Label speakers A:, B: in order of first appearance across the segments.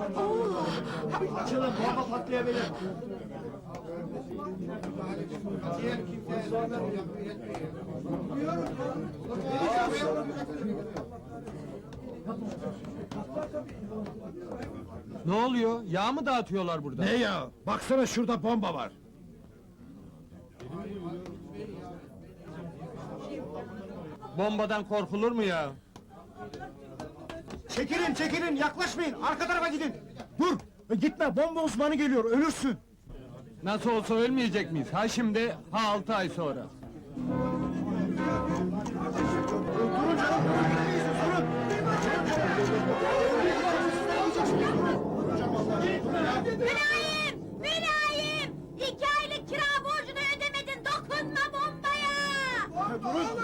A: Açılın, bomba patlayabilir.
B: Ne oluyor? Yağ mı dağıtıyorlar burada?
A: Ne ya? Baksana şurada bomba var.
B: Bombadan korkulur mu ya?
A: Çekilin, çekilin, yaklaşmayın, arka tarafa gidin. Dur, gitme, bomba uzmanı geliyor, ölürsün.
B: Nasıl olsa ölmeyecek miyiz? Ha şimdi, ha 6 ay sonra.
A: Durun canım, durun.
C: Mülayim! Mülayim! 2 aylık kira borcunu ödemedin, dokunma bombaya!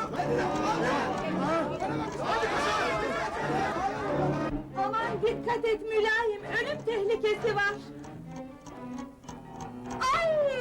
C: Aman dikkat et Mülayim, ölüm tehlikesi var! Ay!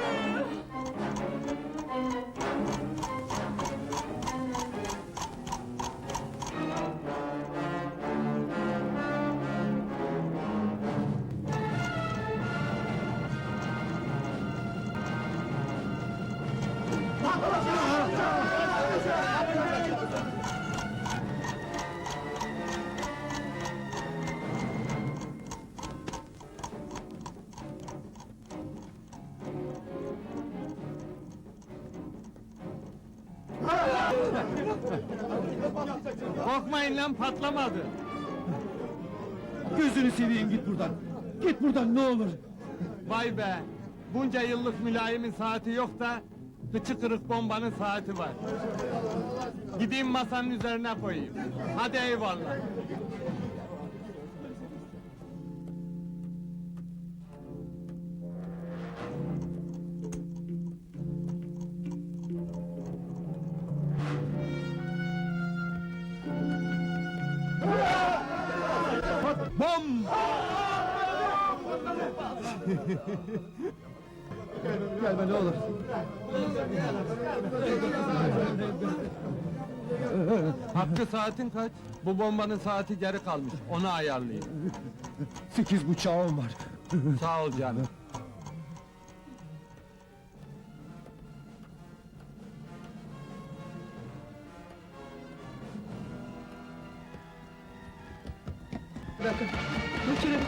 B: Korkmayın lan, patlamadı.
A: Gözünü seveyim, git buradan. Git buradan, ne olur.
B: Vay be! Bunca yıllık mülayimin saati yok da... ...kıçı kırık bombanın saati var. Gideyim masanın üzerine koyayım. Hadi eyvallah. Bom!
A: Gelme ne olur.
B: Hakkı saatin kaç? Bu bombanın saati geri kalmış, onu ayarlayayım.
A: 8.30'a var.
B: Sağ ol canım.
A: Bir dakika, geçelim.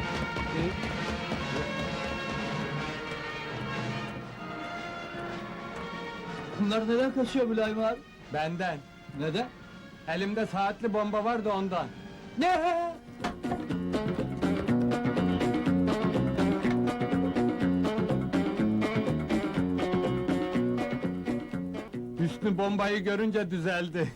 A: Bunlar neden kaçıyor Mülayim abi?
B: Benden.
A: Neden?
B: Elimde saatli bomba var da ondan.
A: Ne?
B: Hüsnü bombayı görünce düzeldi.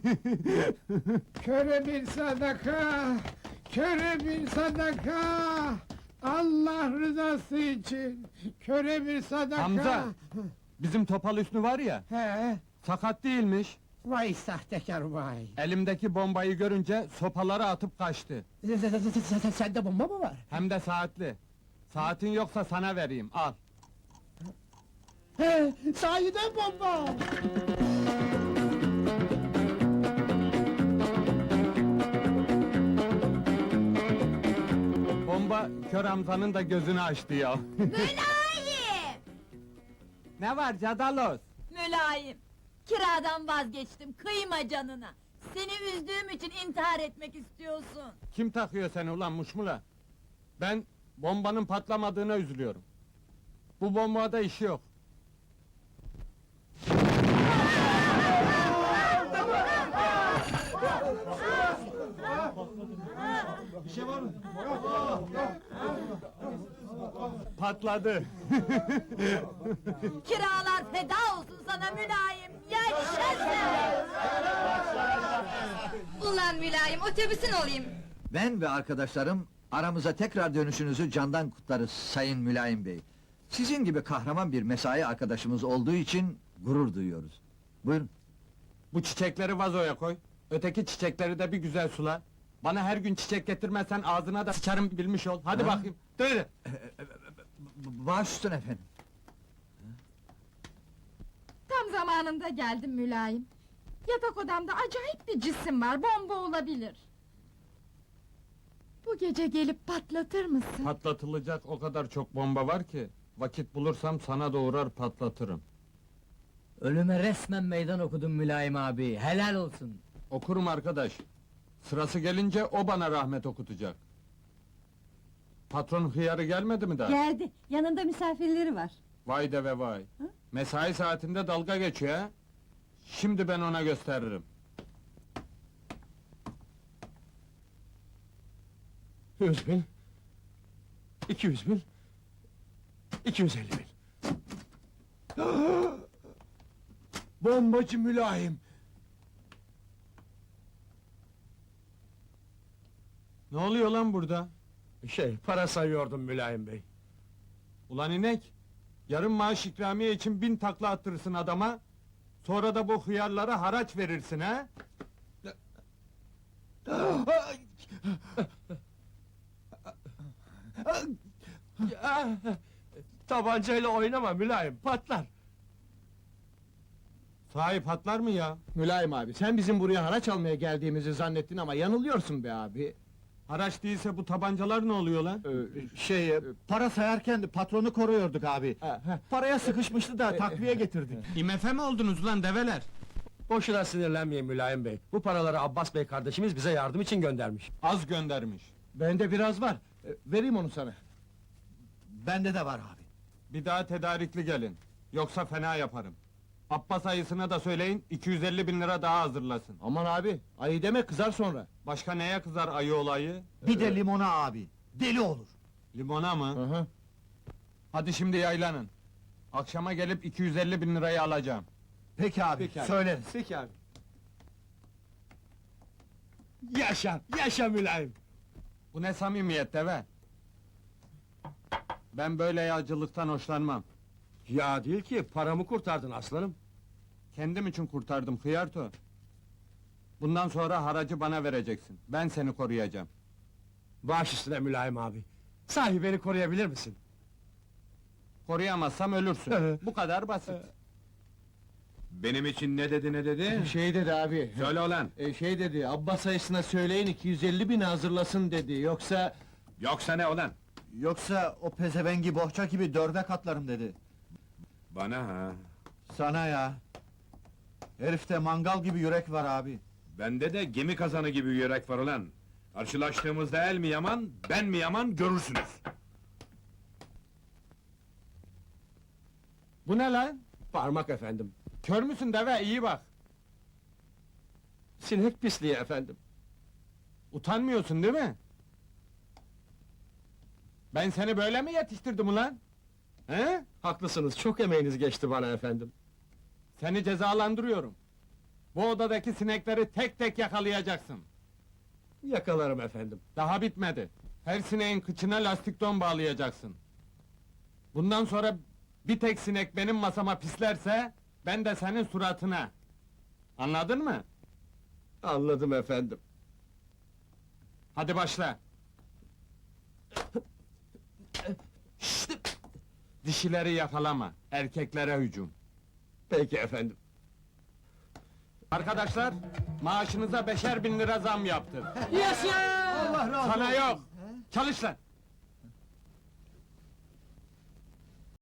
D: Köre bir sadaka, köre bir sadaka. Allah rızası için, köre bir sadaka.
B: Hamza! Bizim Topal Hüsnü var ya,
D: He,
B: sakat değilmiş.
D: vay sahtekar vay.
B: Elimdeki bombayı görünce sopaları atıp kaçtı.
D: Sende bomba mı var?
B: Hem de saatli. Saatin yoksa sana vereyim, al.
D: He, sahiden bomba.
B: Bomba kör Hamza'nın da gözünü açtı ya.
C: Mülayim!
B: Ne var Cadalos?
C: Mülayim! Kiradan vazgeçtim, kıyma canına! Seni üzdüğüm için intihar etmek istiyorsun!
B: Kim takıyor seni ulan muşmula? Ben bombanın patlamadığına üzülüyorum. Bu bombada işi yok.
A: Bir şey var mı?
B: Patladı.
C: Kiralar feda olsun sana Mülayim! Yaşasın!
E: Ulan Mülayim, otobüsün olayım!
F: Ben ve arkadaşlarım aramıza tekrar dönüşünüzü candan kutlarız Sayın Mülayim Bey. Sizin gibi kahraman bir mesai arkadaşımız olduğu için gurur duyuyoruz. Buyurun.
B: Bu çiçekleri vazoya koy. Öteki çiçekleri de bir güzel sula. Bana her gün çiçek getirmezsen ağzına da sıçarım bilmiş ol. Hadi
F: Ha?
B: bakayım. Dur.
F: Baş üstüne efendim.
E: Tam zamanında geldim Mülayim. Yatak odamda acayip bir cisim var, bomba olabilir. Bu gece gelip patlatır mısın?
B: Patlatılacak o kadar çok bomba var ki... ...vakit bulursam sana doğurar patlatırım.
G: Ölüme resmen meydan okudun Mülayim abi, helal olsun.
B: Okurum arkadaş. Sırası gelince o bana rahmet okutacak. Patron hıyarı gelmedi mi daha?
C: Geldi, yanında misafirleri var.
B: Vay de ve vay. Mesai saatinde dalga geçiyor ha? Şimdi ben ona gösteririm.
A: 100.000, 200.000, 250.000. Bombacı mülayim.
B: Ne oluyor lan burada?
A: Para sayıyordum mülayim bey.
B: Ulan inek! Yarın maaş ikramiye için 1000 takla attırırsın adama... ...sonra da bu hıyarlara haraç verirsin ha?
A: Tabancayla oynama mülayim, patlar.
B: Sahi patlar mı ya?
A: Mülayim abi, sen bizim buraya haraç almaya geldiğimizi zannettin ama yanılıyorsun be abi.
B: Haraç değilse bu tabancalar ne oluyor lan?
A: Para sayarken de patronu koruyorduk abi. Paraya sıkışmıştı da takviye getirdik.
B: IMF mi oldunuz lan develer?
H: Boşuna sinirlenmeyin Mülayim Bey. Bu paraları Abbas Bey kardeşimiz bize yardım için göndermiş.
B: Az göndermiş.
A: Bende biraz var, vereyim onu sana. Bende de var abi.
B: Bir daha tedarikli gelin. Yoksa fena yaparım. Abbas ayısına da söyleyin, 250.000 lira daha hazırlasın.
A: Aman abi, ayı deme kızar sonra.
B: Başka neye kızar ayı olayı?
I: Bir de limona abi, deli olur.
B: Limona mı?
A: Hı.
B: Hadi şimdi yaylanın. Akşama gelip 250.000 lirayı alacağım.
I: Peki abi, söyleriz.
A: Peki abi. Yaşa, yaşa mülayim.
B: Bu ne samimiyet deve? Ben böyle yağcılıktan hoşlanmam.
H: Ya değil ki, paramı kurtardın aslanım.
B: Kendim için kurtardım hıyarto. Bundan sonra haracı bana vereceksin. Ben seni koruyacağım.
H: Baş üstüne Mülayim abi. Sahi beni koruyabilir misin?
B: Koruyamazsam ölürsün. Bu kadar basit.
J: Benim için ne dedi?
A: Şey dedi abi,
J: Söyle ulan!
A: şey dedi, Abbas ayısına söyleyin 250.000 hazırlasın dedi, yoksa...
J: Yoksa ne ulan?
I: Yoksa o pezevengi bohça gibi 4'e katlarım dedi.
J: Bana ha!
I: Sana ya! Herifte mangal gibi yürek var abi.
J: Bende de gemi kazanı gibi yürek var ulan! Karşılaştığımızda el mi yaman, ben mi yaman görürsünüz!
B: Bu ne lan?
H: Parmak efendim.
B: Kör müsün deve? İyi bak.
H: Sinek pisliği efendim.
B: Utanmıyorsun değil mi? Ben seni böyle mi yetiştirdim ulan? He?
H: Haklısınız, çok emeğiniz geçti bana efendim.
B: Seni cezalandırıyorum. Bu odadaki sinekleri tek tek yakalayacaksın.
H: Yakalarım efendim.
B: Daha bitmedi. Her sineğin kıçına lastik don bağlayacaksın. Bundan sonra bir tek sinek benim masama pislerse... ...ben de senin suratına. Anladın mı?
H: Anladım efendim.
B: Hadi başla. Dişileri yakalama, erkeklere hücum.
H: Peki efendim.
B: Arkadaşlar, maaşınıza 5'er bin lira zam yaptım.
A: Allah razı
B: Sana yok! Çalış lan!